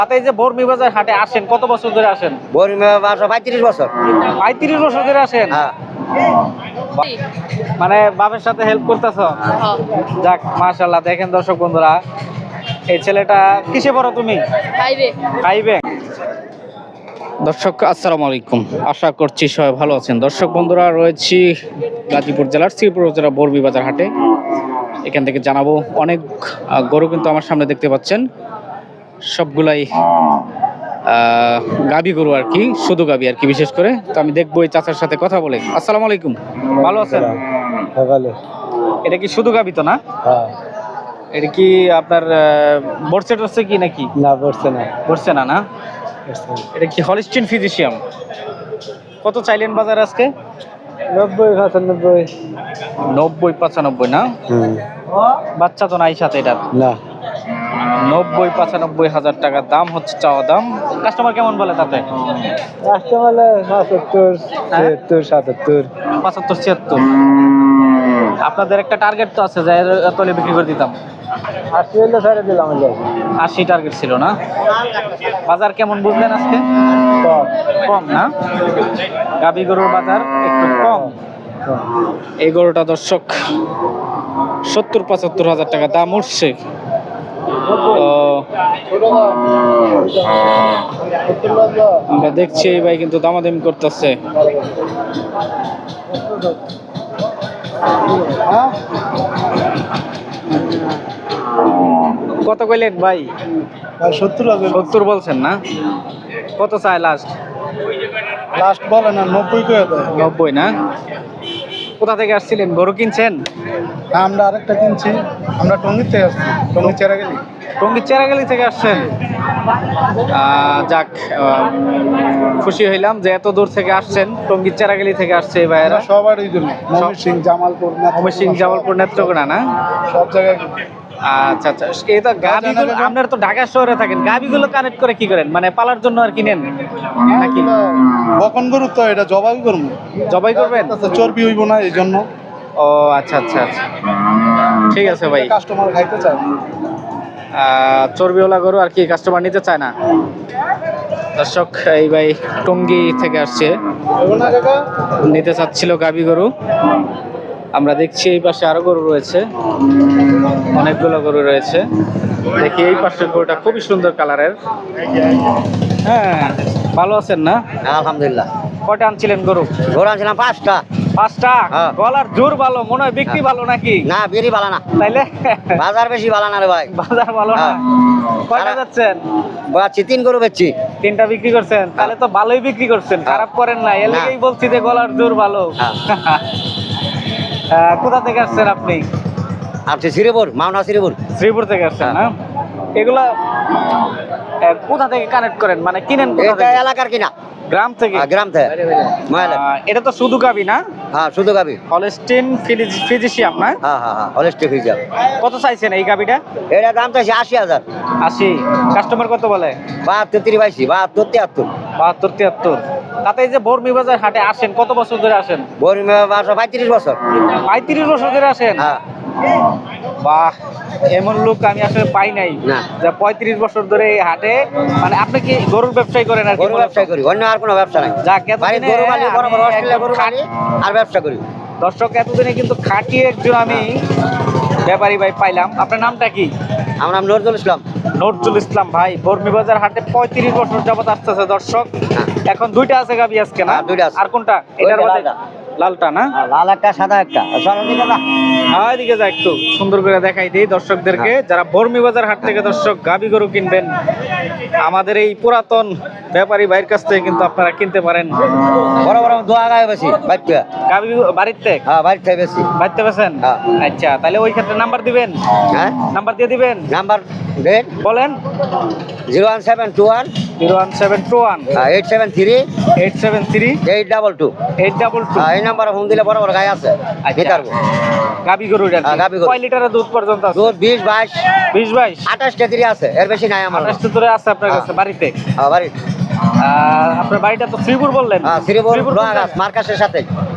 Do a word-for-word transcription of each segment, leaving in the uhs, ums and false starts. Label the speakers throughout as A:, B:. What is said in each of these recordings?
A: আপনি এই যে বর্মি বাজার হাটে আসেন কত বছর ধরে আসেন?
B: বর্মি বাজার পঁয়ত্রিশ বছর।
A: পঁয়ত্রিশ বছর ধরে আসেন?
B: হ্যাঁ।
A: মানে বাবার সাথে হেল্প করতেছো? যাক মাশাআল্লাহ। দেখেন দর্শক বন্ধুরা, এই ছেলেটা কিসে পড়ো তুমি?
C: ফাইভে।
A: ফাইভে। দর্শক আসসালামু আলাইকুম, আশা করছি সবাই ভালো আছেন। দর্শক বন্ধুরা, রয়েছি গাজীপুর জেলার শ্রীপুর জেলার বর্মি বাজার হাটে। এখান থেকে জানাবো অনেক আহ, গরু কিন্তু আমার সামনে দেখতে পাচ্ছেন, সবগুলাই গাবি গরু আর কি, শুধু গাবি আর কি। বিশেষ করে তো আমি দেখবো এই চাচার সাথে কথা বলে। আসসালামু আলাইকুম, ভালো আছেন? এটা কি শুধু গাবি তো না?
B: হ্যাঁ।
A: এটা কি আপনার বর্ষে টর্ষে কি নাকি?
B: না বসছে না।
A: বর্ষে না না? এটা কি হলিস্টিন ফিজিশিয়াম? কত চাইলেন বাজার আজকে?
B: নব্বই পঁচানব্বই।
A: নব্বই পঁচানব্বই না? বাচ্চা তো নাই সাথে এটার?
B: না।
A: নব্বই পঁচানব্বই হাজার টাকার দাম হচ্ছে চাওয়া দাম। কাস্টমার কেমন বলে তাতে?
B: কাস্টমার পঁচাত্তর ছিয়াত্তর সাতাত্তর।
A: পঁচাত্তর ছিয়াত্তর। আপনাদের একটা টার্গেট তো আছে যে তলে বিক্রি করে দিতাম?
B: আশি হলে ছেড়ে দিলাম।
A: আশি টার্গেট ছিল না? বাজার কেমন বুঝলেন আজকে? কম না? গাবি গরুর বাজার একটু কম। এই গরুটা দর্শক সত্তর পঁচাত্তর হাজার টাকা দাম উঠছে। তো আমরা দেখছি এই ভাই কিন্তু দামাদামি করতেছে। কত কইলেন ভাই?
B: সত্তর
A: সত্তর বলছেন না? কত চাই লাস্ট?
B: লাস্ট বলে না, নব্বই করে দেয়।
A: নব্বই না? কোথা থেকে আসছিলেন? গরু কিনছেন?
B: আমরা আরেকটা কিনছি, আমরা টঙ্গির থেকে আসছি, টঙ্গির চেরা গেলি।
A: টঙ্গীর চেরাগালি থেকে আসছেন? আহ, যাক, আহ, খুশি হইলাম যে এত দূর থেকে আসছেন। টঙ্গীর চেরাগালি থেকে আসছে এই ভাইয়েরা।
B: সবার এই জন্য ময়মনসিংহ সিং জামালপুর
A: ময়মনসিংহ জামালপুর নেত্রকোনা না?
B: সব জায়গায়।
A: আচ্ছা আচ্ছা। এই তো গাবিগুলো, আপনারা তো ঢাকা শহরে থাকেন, গাবিগুলো কানেক্ট করে কি করেন? মানে পালার জন্য আর কিনেন নাকি?
B: বকন গরু তো, এটা জবাই করবো।
A: জবাই করবেন?
B: চর্বি হইব না এই জন্য।
A: ও আচ্ছা আচ্ছা আচ্ছা, ঠিক আছে ভাই।
B: কাস্টমার খাইতে চায়
A: আহ, চর্বিওয়ালা গরু আর কি কাস্টমার নিতে চায় না। দর্শক, এই ভাই টঙ্গী থেকে আসছে, নিতে চাচ্ছিল গাবি গরু। আমরা দেখছি এই পাশে আরো গরু রয়েছে, অনেকগুলো গরু রয়েছে। দেখি এই পাশের গরুটা খুবই সুন্দর কালারের। হ্যাঁ, ভালো আছেন না?
B: আলহামদুলিল্লাহ।
A: কয়টা আনছিলেন গরু?
B: গরু আনছিলাম পাঁচটা।
A: পাঁচটা?
B: হ্যাঁ।
A: গলার জোর ভালো মনে হয়, বিক্রি ভালো নাকি?
B: না, বেরি ভালো না।
A: তাইলে
B: বাজার বেশি ভালো না রে ভাই।
A: বাজার ভালো না?
B: হ্যাঁ।
A: কয়টা যাচ্ছেন?
B: বাচ্চি তিন গরু বেচছি।
A: তিনটা বিক্রি করছেন? তাহলে তো ভালোই বিক্রি করছেন, খারাপ করেন না। এর
B: না।
A: লাগেই বলছি যে গলার জোর ভালো।
B: হ্যাঁ।
A: আহ, কোথা থেকে আসছেন আপনি?
B: আপনি শ্রীপুর, মাওনা শ্রীপুর।
A: শ্রীপুর থেকে আসছেন না? এগুলা আহ, কোথা থেকে কানেক্ট করেন, মানে কিনেন কোথা
B: এটা
A: থেকে?
B: এলাকার কিনা,
A: গ্রাম থেকে?
B: হ্যাঁ, গ্রাম থেকে। মহিলা।
A: আহ, এটা তো শুধু গাবি না?
B: হ্যাঁ, শুধু গাবি।
A: হলস্টিন ফিজিশিয়াম না?
B: হ্যাঁ হ্যাঁ হ্যাঁ, হলিস্টিক হয়ে যাবে।
A: কত চাইছেন এই গাবিটা?
B: এটা দাম চাইছে আশি হাজার।
A: আশি। কাস্টমার কত বলে?
B: বাহাত্তর তিরিশি, বাহাত্তর তিয়াত্তর।
A: বাহাত্তর তিয়াত্তর। তাতে এই যে বর্মি বাজার হাটে আসেন কত বছর ধরে আসেন?
B: বর্মি বাজার পঁয়ত্রিশ বছর।
A: পঁয়ত্রিশ বছর ধরে আসেন?
B: হ্যাঁ।
A: বাহ, এমন লোক আমি আসলে পাই নাই
B: না।
A: যে পঁয়ত্রিশ বছর ধরে এই হাটে। মানে আপনি কি গরুর ব্যবসায় করেন আর কি?
B: গরু ব্যবসা করি, অন্য আর কোনো ব্যবসা নাই।
A: যাক,
B: বাড়ির
A: এতদিনে
B: গরু পালি, বড় বড়
A: আমি
B: অস্ট্রেলিয়া গরু
A: একদম
B: পালি আর ব্যবসা করি।
A: দর্শক, এতদিনে কিন্তু খাটিয়ে একজন আমি ব্যাপারী ভাই পাইলাম। আপনার নামটা কি?
B: আমার নাম নজরুল ইসলাম।
A: নজরুল ইসলাম ভাই বর্মি বাজার হাটে পঁয়ত্রিশ বছর যাবত আসতেছে। দর্শক, এখন দুইটা আছে গাবি আজকে না?
B: হ্যাঁ, দুইটা আছে।
A: আর কোনটা? এটার
B: ওইটা
A: মধ্যে
B: লালটা।
A: লালটা না?
B: আর লাল একটা সাদা একটা। চলো দিকে যা।
A: হ্যাঁ, এদিকে যা, একটু সুন্দর করে দেখাই দিই দর্শকদেরকে। যারা বর্মি বাজার হাট থেকে দর্শক গাবি গরু কিনবেন, আমাদের এই পুরাতন ব্যাপারী ভাইয়ের কাছ থেকে কিন্তু আপনারা কিনতে পারেন।
B: বড় বড় দোয়া গায়ে বেশি বাড়িতে।
A: গাবি বাড়িতে?
B: হ্যাঁ, বাড়িতে বেশি।
A: বাড়িতে বেছেন?
B: হ্যাঁ।
A: আচ্ছা, তাহলে ওই ক্ষেত্রে নাম্বার দিবেন?
B: হ্যাঁ,
A: নাম্বার দিয়ে দিবেন?
B: নাম্বার দেন।
A: বলেন।
B: Zero one seven two one
A: zero one seven two one
B: eight seven three
A: eight seven three
B: eight double two.
A: Eight double two.
B: এই নাম্বারে ফোন দিলে বড় বড় গায়ে আছে। ভিতর
A: গাবি গরু?
B: হ্যাঁ, গাভী গরু।
A: কয় লিটারের দুধ পর্যন্ত আছে?
B: দুধ বিশ বাইশ
A: বিশ বাইশ
B: আঠাশ কেজি আছে, এর বেশি নাই আমার।
A: আঠাশ ধরে আছে আপনার কাছে বাড়িতে?
B: হ্যাঁ, বাড়ি।
A: আহ, আপনার বাড়িটা তো শ্রীপুর বললেন?
B: হ্যাঁ, শ্রীপুর
A: শ্রীপুর কোন
B: লোহাগাছ
A: জায়গায়?
B: মার্কাসের সাথে।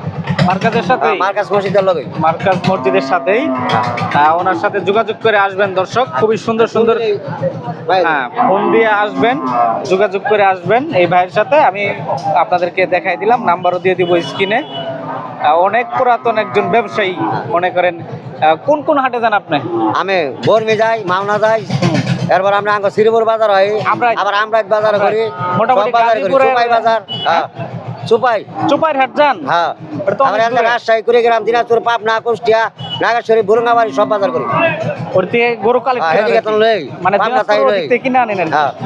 A: মার্কাজের সাথে
C: মার্কাজ মসজিদের লগে
A: মার্কাজ মসজিদের সাথেই আহ, ওনার সাথে যোগাযোগ করে আসবেন দর্শক, খুবই সুন্দর সুন্দর হ্যাঁ ফোন দিয়ে আসবেন, যোগাযোগ করে আসবেন এই ভাইয়ের সাথে। আমি আপনাদেরকে দেখাই দিলাম, নাম্বারও দিয়ে দিব স্ক্রিনে। অনেক পুরাতন একজন ব্যবসায়ী মনে করেন। আহ, কোন কোন হাটে যান আপনি?
C: আমি বর্মি যাই, মাওনা যাই, এরপর আমরা আঙ্গ শ্রীপুর বাজার হয়,
A: আমরাই-
C: আবার আমরা বাজার করি,
A: মোটামুটি
C: সব বাজার করি,
A: গাজীপুরের-
C: সুপাই বাজার, হ্যাঁ সুপাই,
A: চুপাইর হাট যান?
C: হ্যাঁ
A: ওটা তো অনেক
C: আমরা
A: দূরে।
C: রাজশাহী কুড়িগ্রাম, দিনাজপুর, পাবনা, কুষ্টিয়া, নাগেশ্বরী, বুরঙ্গাবাড়ি সব বাজার করি।
A: ওর থেকে গরু কালেক্ট
C: হ্যাঁ, এদিকে তো লই,
A: মানে
C: পাবনা
A: দিনাজপুর
C: তাই
A: ওদিক
C: লই।
A: থেকে কিনে আনেন আর কি।
C: হ্যাঁ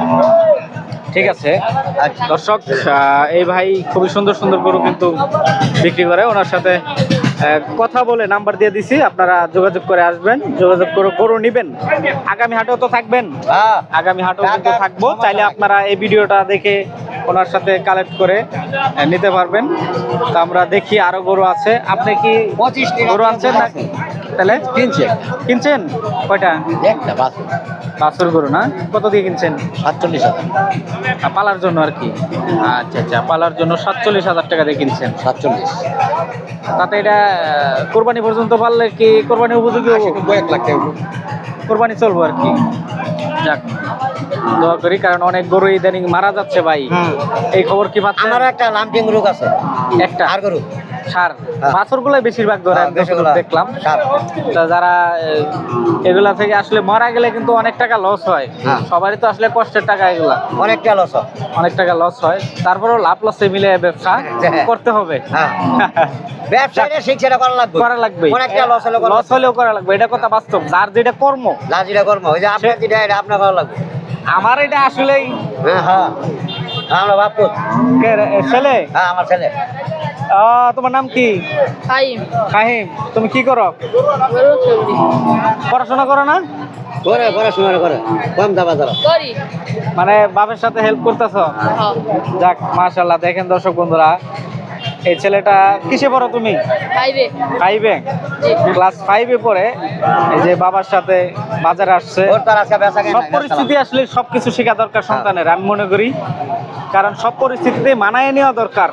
A: ঠিক আছে দর্শক, আহ, এই ভাই খুবই সুন্দর সুন্দর গরু কিন্তু বিক্রি করে। ওনার সাথে আহ, কথা বলে নাম্বার দিয়ে দিছি, আপনারা যোগাযোগ করে আসবেন, যোগাযোগ করে গরু নিবেন। আগামী হাটেও তো থাকবেন,
C: হ্যাঁ
A: আগামী হাটেও কিন্তু থাকবো, চাইলে আপনারা এই ভিডিওটা দেখে ওনার সাথে কালেক্ট করে আহ, নিতে পারবেন। তো আমরা দেখি আরো গরু আছে। আপনি কি গরু আনছেন না? তাহলে
C: কিনছে
A: কিনছেন কয়টা?
C: একটা বাস
A: বাছুর গরু না? কত দিয়ে কিনছেন?
C: সাতচল্লিশ হাজার
A: আহ, পালার জন্য আর কি? আচ্ছা আচ্ছা, পালার জন্য সাতচল্লিশ হাজার টাকা দিয়ে কিনছেন।
C: সাতচল্লিশ
A: তাতে এটা আহ, কোরবানি পর্যন্ত পারলে কি কোরবানি উপযোগী হবো?
C: এক লাখ টাকা
A: কোরবানি চলবো আর কি। যাক, দোয়া করি, কারণ অনেক গরু ইদানিং মারা যাচ্ছে ভাই। এই খবর কি পাচ্ছেন?
C: আমারও একটা লাম্পিং রোগ আছে,
A: একটা
C: আর গরু
A: সার
C: হ্যাঁ।
A: বাছর গুলাই বেশিরভাগ ধরে,
C: হ্যাঁ,
A: আমি যতদূর
C: বেশিরভাগ
A: দেখলাম।
C: সার।
A: তা যারা আহ, এগুলা থেকে আসলে মারা গেলে কিন্তু অনেক টাকা লস হয়।
C: হ্যাঁ।
A: সবারই তো আসলে কষ্টের টাকা এগুলা,
C: অনেকটা লস হয়।
A: অনেক টাকা লস হয়। তারপরেও লাভ লসে মিলে ব্যবসা
C: হ্যাঁ।
A: করতে হবে।
C: হ্যাঁ ব্যবসাটা শিক্ষাটা করা লাগবে,
A: করা লাগবে,
C: অনেকটা লস হলে
A: লস হলেও করা লাগবে, এটা কথা বাস্তব। যার যেটা কর্ম,
C: লাজিটা কর্ম, ওই যে আপনার যেটা এটা আপনার করা লাগবে।
A: আমার এটা আসলেই
C: হ্যাঁ হ্যাঁ আমরা বাপু,
A: কে রে- এ, ছেলে।
C: হ্যাঁ আমার ছেলে।
A: আহ, তোমার নাম কি?
D: ফাইম
A: কাহিম। তুমি কি করো?
D: গরু চুরি
A: পড়াশোনা করো না?
C: করে পড়াশোনা করে কম দাবা দাবা
D: করি
A: মানে বাপের সাথে হেল্প করতেছো?
D: হ্যাঁ
A: যাক মাশাআল্লাহ। দেখেন দর্শক বন্ধুরা, এই ছেলেটা কিসে পড়ো তুমি?
D: ফাইভে
A: ফাইভে, ক্লাস ফাইভে পড়ে এই যে বাবার সাথে বাজারে আসছে।
C: ওর তার আজকে বেচা
A: সব পরিস্থিতি আসলে সবকিছু শেখা দরকার সন্তানের, আমি মনে করি। কারণ সব পরিস্থিতিতে মানায় নেওয়া দরকার।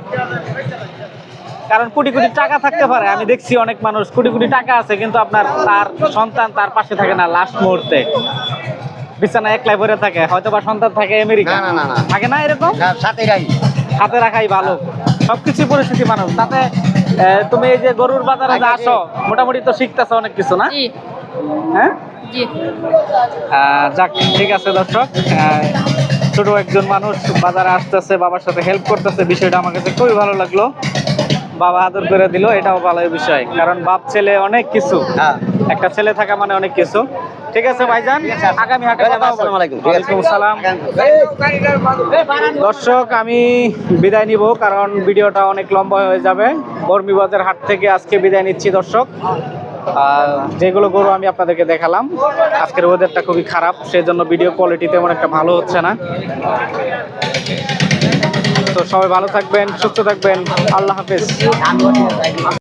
A: কারণ কোটি কোটি টাকা থাকতে পারে, আমি দেখছি অনেক মানুষ কোটি কোটি টাকা আছে, কিন্তু আপনার তার সন্তান তার পাশে থাকে না লাস্ট মুহূর্তে, বিছানা একলাই পড়ে থাকে, হয়তো বা সন্তান থাকে আমেরিকা,
C: না, না, না, না।
A: থাকে না এরকম?
C: সাথে গাই
A: হাতে রাখাই ভালো। সবকিছু পরিস্থিতি মানুষ তাতে আহ, তুমি এই যে গরুর বাজারে যে আসো, মোটামুটি তো শিখতেছো অনেক কিছু না?
D: জি
A: হ্যাঁ,
D: জি
A: আহ, যাক ঠিক আছে দর্শক, আহ, ছোট একজন মানুষ বাজারে আসতেছে, বাবার সাথে হেল্প করতেছে, বিষয়টা আমার কাছে খুবই ভালো লাগলো। বাবা আদর করে দিল, এটাও ভালো বিষয়, কারণ বাপ ছেলে অনেক কিছু,
C: হ্যাঁ
A: একটা ছেলে থাকা মানে অনেক কিছু। ঠিক আছে ভাইজান, আগামী হাটে কথা হবে।
C: আসসালামু আলাইকুম। ঠিক আছে।
A: ওয়ালাইকুম আসসালাম। দর্শক আমি বিদায় নিব, কারণ ভিডিওটা অনেক লম্বা হয়ে যাবে। বর্মি বাজার হাট থেকে আজকে বিদায় নিচ্ছি দর্শক। আর যেগুলো গরু আমি আপনাদেরকে দেখালাম, আজকের ওয়েদারটা খুবই খারাপ, সেই জন্য ভিডিও কোয়ালিটি তেমন একটা ভালো হচ্ছে না। তো সবাই ভালো থাকবেন, সুস্থ থাকবেন, আল্লাহ হাফেজ।